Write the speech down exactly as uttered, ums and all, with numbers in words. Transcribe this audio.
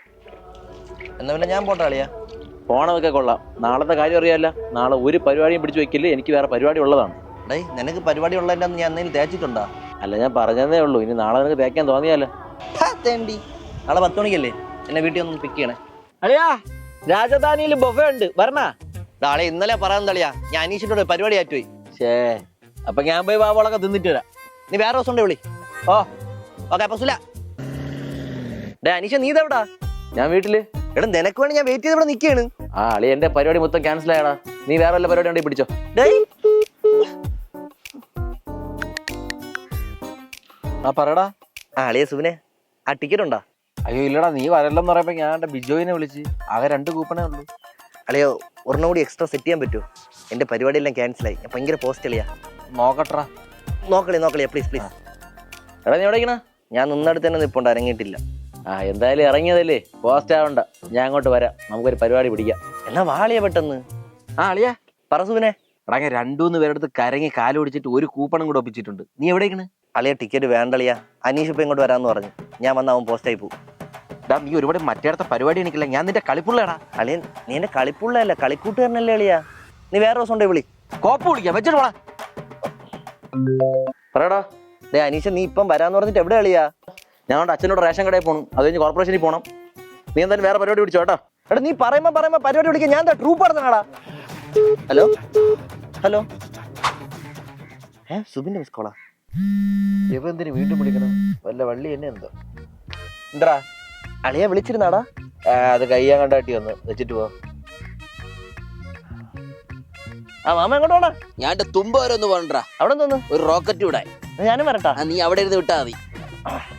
എന്നാ പിന്നെ ഞാൻ പോട്ടെ അളിയാ. പോണതൊക്കെ കൊള്ളാം. നാളത്തെ കാര്യം അറിയാല്ല. നാളെ ഒരു പരിപാടിയും പിടിച്ചു വെക്കില്ല. എനിക്ക് വേറെ പരിപാടി ഉള്ളതാണ്. ഡേ നിനക്ക് പരിപാടി ഉള്ളതിൻ്റെ ഞാൻ എന്തെങ്കിലും തേച്ചിട്ടുണ്ടോ? അല്ല, ഞാൻ പറഞ്ഞതേ ഉള്ളൂ. ഇനി നാളെ നിനക്ക് തേക്കാൻ തോന്നിയാലോ. തേണ്ടി നാളെ പത്ത് മണിക്കല്ലേ എന്നെ വീട്ടിൽ ഒന്ന് പിക്ക് ചെയ്യണേ. അളിയാ, രാജധാനിയിൽ ബൊഫേ ഉണ്ട്, വരണ. നാളെ ഇന്നലെ പറയാൻ തളിയാ, ഞാൻ അനീഷിന്റെ പരിപാടി ആറ്റുപോയി. ശേ, അപ്പൊ ഞാൻ പോയി ബാബോളൊക്കെ തിന്നിട്ട് വരാം. നീ വേറെ ദിവസം ഉണ്ടേ വിളി. ഓ ഓക്കെ അപ്പൊ സുല. ഡേ അനീഷ നീ ഇതെവിടാ? ഞാൻ വീട്ടില്. എടാ നിനക്ക് വേണ്ടി ഞാൻ വെയിറ്റ് ചെയ്ത് ഇവിടെ നിൽക്കുകയാണ്. ആ അളി, എന്റെ പരിപാടി മൊത്തം ക്യാൻസൽ ആയടാ. നീ വേറെ വല്ല പരിപാടി ഉണ്ടെങ്കിൽ പിടിച്ചോ. ഡേയ് ആ പറയടാ. ആ അളിയ സുവിനെ, ആ ടിക്കറ്റ് ഉണ്ടോ? അയ്യോ ഇല്ലടാ, നീ വരല്ലെന്ന് പറയുമ്പോ ഞാൻ എന്റെ ബിജോയിനെ വിളിച്ച്. ആകെ രണ്ട് കൂപ്പണേ ഉള്ളൂ. അളിയോ ഒരെണ്ണം കൂടി എക്സ്ട്രാ സെറ്റ് ചെയ്യാൻ പറ്റുമോ? എന്റെ പരിപാടിയെല്ലാം ക്യാൻസലായി. ഞാൻ ഭയങ്കര പോസ്റ്റ് അളിയാ. നോക്കട്ടാ. നോക്കളി നോക്കളിയാ പ്ലീസ് പ്ലീസ്. എടാ നീ എവിടേക്കണ? ഞാൻ നിന്നടുത്ത് തന്നെ നിൽപ്പുണ്ട്, ഇറങ്ങിയിട്ടില്ല. ആ എന്തായാലും ഇറങ്ങിയതല്ലേ, പോസ്റ്റ് ആവണ്ട. ഞാൻ അങ്ങോട്ട് വരാം, നമുക്കൊരു പരിപാടി പിടിക്കാം. എന്നാ വാളിയാ പെട്ടെന്ന്. ആ അളിയാ പറ സുവിനെ. എടാ ഞാൻ രണ്ടൂന്ന് പേരെടുത്ത് കരങ്ങി കാല് പിടിച്ചിട്ട് ഒരു കൂപ്പണും കൂടെ ഒപ്പിച്ചിട്ടുണ്ട്. നീ എവിടേക്കണ്? അളിയ ടിക്കറ്റ് വേണ്ടളിയാ. അനീഷ് ഇപ്പൊ ഇങ്ങോട്ട് വരാമെന്ന് പറഞ്ഞു. ഞാൻ വന്ന അവൻ പോസ്റ്റായി പോകും. ഡാ നീ ഒരുപാട് മറ്റേടത്തെ പരിപാടി എനിക്കില്ല. ഞാൻ നിന്റെ കളിപ്പുള്ളടാ. അളിയൻ നീ എന്റെ കളിപ്പുള്ളതല്ല, കളിക്കൂട്ടുകാരനല്ലേ അളിയാ. നീ വേറെ ദിവസം ഉണ്ടേ വിളി. കോപ്പ് വിളിക്കാം, വെച്ചിട്ട് പോടാ. പറയടാ. ഡേ അനീഷ നീ ഇപ്പം വരാന്ന് പറഞ്ഞിട്ട് എവിടെ അളിയാ? ഞങ്ങളുടെ അച്ഛനോട് റേഷൻ കടയിൽ പോകണം, അത് കഴിഞ്ഞ് കോർപ്പറേഷനിൽ പോകണം. നീ എന്തായാലും വേറെ പരിപാടി പിടിച്ചോ കേട്ടോ. എടാ നീ പറയുമ്പോ പറയുമ്പോ പരിപാടി വിളിക്കാൻ ഞാൻ എന്താ ട്രൂപ്പ് നടന്നാടാ. ഹലോ ഹലോ ഏ സുബിന്റെ മിസ് കോളാ. ഇവ എന്തിനു വീണ്ടും വിളിക്കണം? വല്ല വള്ളി എന്നെ എന്തോ. എന്താ അളിയാ വിളിച്ചിരുന്നാടാ? അത് കയ്യാൻ കണ്ടാട്ടി വന്ന് വെച്ചിട്ട് പോ. ആ മാമ എങ്ങോട്ട് പോണ? ഞാൻ എന്റെ തുമ്പ വരെ ഒന്ന് പോകണ്ടാ. അവിടെ തോന്നുന്നു ഒരു റോക്കറ്റ് വിടാൻ. ഞാനും വരട്ടാ. നീ അവിടെ ഇരുന്ന് വിട്ടാ മതി.